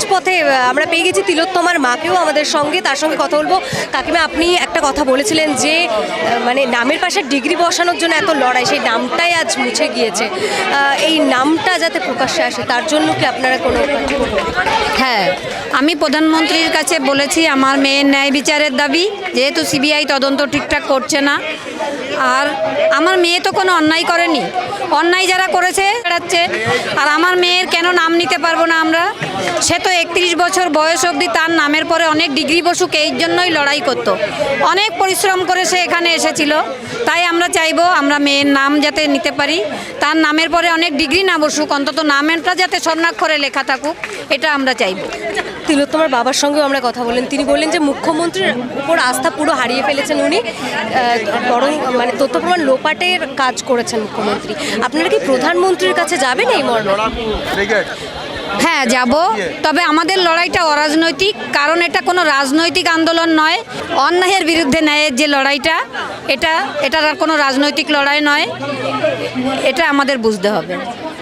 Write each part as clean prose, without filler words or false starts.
রাজপথে আমরা পেয়ে গেছি তিলোত্তমার মাকেও আমাদের সঙ্গে, তার সঙ্গে কথা বলবো। কাকিমা, আপনি একটা কথা বলেছিলেন যে মানে নামের পাশে ডিগ্রি বসানোর জন্য এত লড়াই, সেই নামটাই আজ মুছে গিয়েছে। এই নামটা যাতে প্রকাশ্যে আসে তার জন্য কি আপনারা কোনো? হ্যাঁ, আমি প্রধানমন্ত্রীর কাছে বলেছি আমার মেয়ের ন্যায় বিচারের দাবি, যেহেতু সিবিআই তদন্ত ঠিকঠাক করছে না। আর আমার মেয়ে তো কোনো অন্যায় করেনি, অন্যায় যারা করেছে বেড়াচ্ছে। আর আমার মেয়ের কেন নাম নিতে পারবো না আমরা? সে তো 31 বছর বয়স অবধি তার নামের পরে অনেক ডিগ্রি বসুক, এই জন্যই লড়াই করতো, অনেক পরিশ্রম করে সে এখানে এসেছিল। তাই আমরা চাইবো আমরা মেয়ের নাম যাতে নিতে পারি, তার নামের পরে অনেক ডিগ্রি না বসুক, অন্তত নামটা যাতে স্বর্ণাক্ষরে লেখা থাকুক, এটা আমরা চাইবো। তিলোত্তমার বাবার সঙ্গেও আমরা কথা বললেন, তিনি বললেন যে মুখ্যমন্ত্রীর উপর আস্থা পুরো হারিয়ে ফেলেছেন উনি, বরং মানে তথ্য প্রমাণ লোপাটের কাজ করেছেন মুখ্যমন্ত্রী। আপনারা কি প্রধানমন্ত্রীর কাছে যাবেন এই মর্মে? হ্যাঁ, যাব। তবে আমাদের লড়াইটা অরাজনৈতিক, কারণ এটা কোনো রাজনৈতিক আন্দোলন নয়। অন্যায়ের বিরুদ্ধে ন্যায়ের যে লড়াইটা, এটার আর কোনো রাজনৈতিক লড়াই নয়, এটা আমাদের বুঝতে হবে।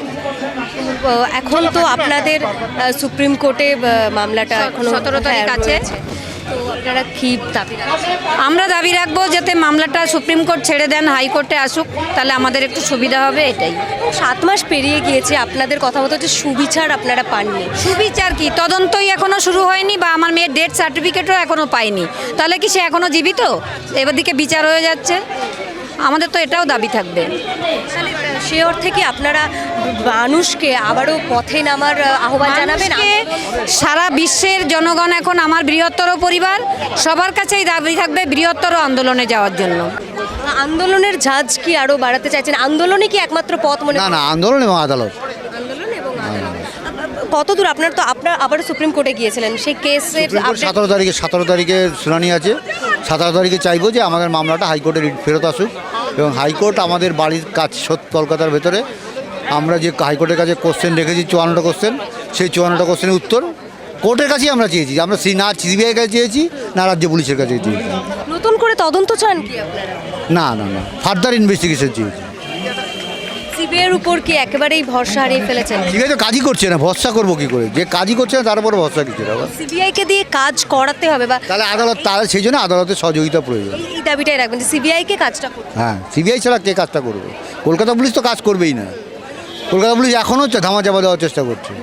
এখন তো আপনাদের সুপ্রিম কোর্টে মামলাটা এখন 17 তারিখ আছে। তো আপনারা কি দাবি রাখছেন? আমরা দাবি রাখবো যাতে মামলাটা সুপ্রিম কোর্ট ছেড়ে দেন, হাইকোর্টে আসুক, তাহলে আমাদের একটু সুবিধা হবে, এটাই। 7 মাস পেরিয়ে গিয়েছে, আপনাদের কথা মতো যে সুবিচার আপনারা পাননি। সুবিচার কি? তদন্তই এখনো শুরু হয়নি, বা আমার মেয়ের ডেথ সার্টিফিকেটও এখনো পাইনি, তাহলে কি সে এখনো জীবিত? এবার দিকে বিচার হয়ে যাচ্ছে, আমাদের তো এটাও দাবি থাকবে। সে অর্থে কি আপনারা মানুষকে আবারও পথে নামার আহ্বান জানাবেন? সারা বিশ্বের জনগণ এখন আমার বৃহত্তর পরিবার, সবার কাছেই দাবি থাকবে বৃহত্তর আন্দোলনে যাওয়ার জন্য। আন্দোলনের ঝাঁজ কি আরো বাড়াতে চাইছেন? আন্দোলনই কি একমাত্র পথ মনে? না, আন্দোলন এবং আদালত। আন্দোলন এবং আদালত। কতদূর আপনার তো আবারও সুপ্রিম কোর্টে গিয়েছিলেন, সেই কেসের 17 তারিখে শুনানি আছে। 17 তারিখে চাইবো যে আমাদের মামলাটা হাইকোর্টে ফেরত আসুক, এবং হাইকোর্ট আমাদের বাড়ির কাজ কলকাতার ভেতরে আমরা যে হাইকোর্টের কাছে কোশ্চেন রেখেছি 54টা কোশ্চেন, সেই 54টা কোশ্চেনের উত্তর কোর্টের কাছেই আমরা চেয়েছি। আমরা না সিবিআই কাছে চেয়েছি, না রাজ্য পুলিশের কাছে চেয়েছি। নতুন করে তদন্ত চান কি আপনারা? না, ফার্দার ইনভেস্টিগেশন চেয়েছি। সিবিআইয়ের উপর কি একেবারেই ভরসা হারিয়ে ফেলেছেন? ঠিক আছে, কাজই করছে না, ভরসা করবো কি করে? যে কাজই করছে না তার উপর ভরসা কিছু না। সিবিআইকে দিয়ে কাজ করাতে হবে, বা তাহলে সেই জন্য আদালতের সহযোগিতা প্রয়োজন। এই দাবিটাই রাখবেন যে সিবিআইকে কাজটা করতে। হ্যাঁ, সিবিআই ছাড়া কে কাজটা করবে? কলকাতা পুলিশ তো কাজ করবেই না। কলকাতা পুলিশ এখনও ধামাচাপা দেওয়ার চেষ্টা করছে।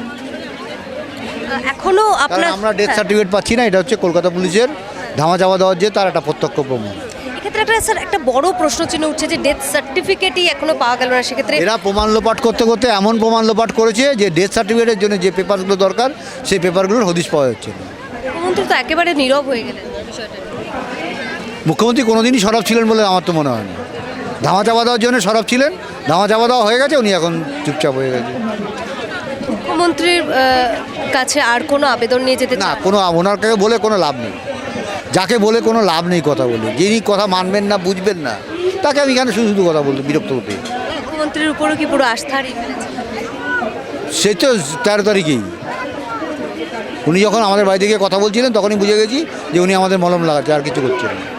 এখনো আপনার আমরা ডেথ সার্টিফিকেট পাচ্ছি না, এটা হচ্ছে কলকাতা পুলিশের ধামাচাপা দেওয়ার যে তার একটা প্রত্যক্ষ প্রমাণ। এক্ষেত্রে একটা স্যার একটা বড় প্রশ্ন চিহ্ন উঠছে যে ডেথ সার্টিফিকেটই এখনো পাওয়া গেল না। সেক্ষেত্রে এরা প্রমাণ লোপাট করতে করতে এমন প্রমাণ লোপাট করেছে যে ডেথ সার্টিফিকেটের জন্য যে পেপারগুলো দরকার সেই পেপারগুলোর হদিশ পাওয়া যাচ্ছে না। মুখ্যমন্ত্রী তো একেবারে নীরব হয়ে গেলেন বিষয়টা। মুখ্যমন্ত্রী কোনোদিনই সরব ছিলেন বলে আমার তো মনে হয় না। ধামাচাপা দেওয়ার জন্য সরব ছিলেন, ধামাচাপা দেওয়া হয়ে গেছে, উনি এখন চুপচাপ হয়ে গেছে। মুখ্যমন্ত্রীর কাছে আর কোনো আবেদন নিয়ে যেতে না, কোনো ওনার কাছে বলে কোনো লাভ নেই, যাকে বলে কোনো লাভ নেই কথা বলে। যিনি কথা মানবেন না, বুঝবেন না, তাকে আমি এখানে শুধু কথা বলতে বিরক্ত হতে। মুখ্যমন্ত্রীর উপরও কি পুরো আস্থা হারিয়ে ফেলেছে? সে তো 13 তারিখেই উনি যখন আমাদের বাড়ি থেকে কথা বলছিলেন তখনই বুঝে গেছি যে উনি আমাদের মলম লাগাচ্ছে, আর কিছু করছেন না।